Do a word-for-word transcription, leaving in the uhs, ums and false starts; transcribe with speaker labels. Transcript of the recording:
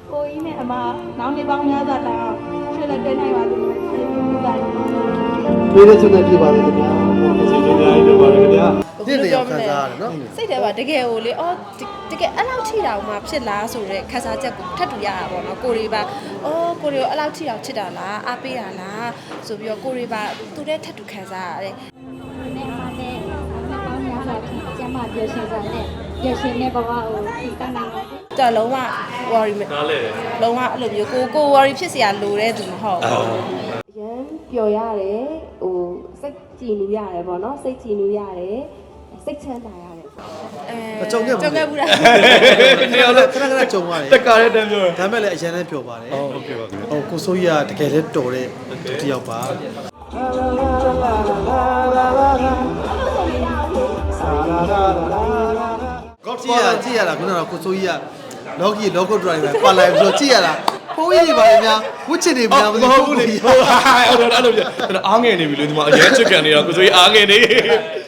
Speaker 1: ကိုကြီးနဲ့အမနောင်နေပေါင်းများစွာတောင်းရွှေလက်တဲနိုင်ပါလို့ကျေးဇူးတင်ပါတယ်
Speaker 2: ပြေးတဲ့စွနဲ့ပြပါလေခင်ဗျာ
Speaker 3: ကျေးဇူးများကြီးတင်ပါတယ်ခင်ဗျာ
Speaker 2: ဒီနေရာခံစားရတယ်နော်
Speaker 4: စိတ်ထဲမှာတကယ်ကိုလေအော်တကယ်အဲ့လောက်ထိတာမှဖြစ်လားဆိုတဲ့ခန်းစားချက်ကိုထပ်တူရတာပေါ့နော်ကိုရီပါအော်ကိုရီကိုအဲ့လောက်ထိအောင်ချစ်တာလားအားပေးတာလားဆိုပြီးတော့ကိုရီပါသူနဲ့ထပ်တူခန်းစားရတယ်
Speaker 1: နဲ့အမနဲ့နောက်ပေါင်းများစွာဖြင့်ကျမ်းမာပျော်ရွှင်စွာနဲ့ပျော်ရွှင်တဲ့ဘဝကိုတည်တတ်နိုင်ပါစေ
Speaker 4: တော်လုံးဝ worry မ
Speaker 3: နားလေ
Speaker 4: လုံးဝအဲ့လိုမျိုးကိုကို worry ဖြစ်เสียလိုတဲ့သူမဟုတ်
Speaker 3: ဟုတ်
Speaker 5: ရမ်းပျော်ရတယ်ဟိုစိတ်ကြည်နူးရတယ်ပေါ့နော်စိတ်ကြည်နူးရတယ်စိတ်ချမ်းသာရတယ်
Speaker 4: အဲ
Speaker 2: ကြုံခဲ့ဘူး
Speaker 4: ကြုံခဲ့ဘူးလား
Speaker 2: နေရာလည်းခဏခဏကြုံရတယ်
Speaker 3: တက်ကားတဲ့တန်းပြော
Speaker 2: ဒါမဲ့လည်းအရင်လည်းပြောပါတယ်
Speaker 3: ဟုတ်ကဲ့ပါခင်ဗျာ
Speaker 2: ဟိုကိုစိုးကြီးကတကယ်လည်းတော်တဲ့တယောက်ပါကောကြည့်ရကြည့်ရတာခုနကကိုစိုးကြီးကလော်ကီလော်ကုတ်ဒရိုင်ဘာပါလာပြီးတော့ကြည့်ရတာဖိုးကြီးတွေပါလေများဝစ်ချစ်တွေများမသိဘူး
Speaker 3: ဟုတ်ဘူးလေဟုတ်အဲ့လိုအဲ့လိုကျွန်တော်အားငယ်နေပြီလေဒီမှာအရင်ချစ်ကန်နေတာကိုဆိုရင်အားငယ်နေ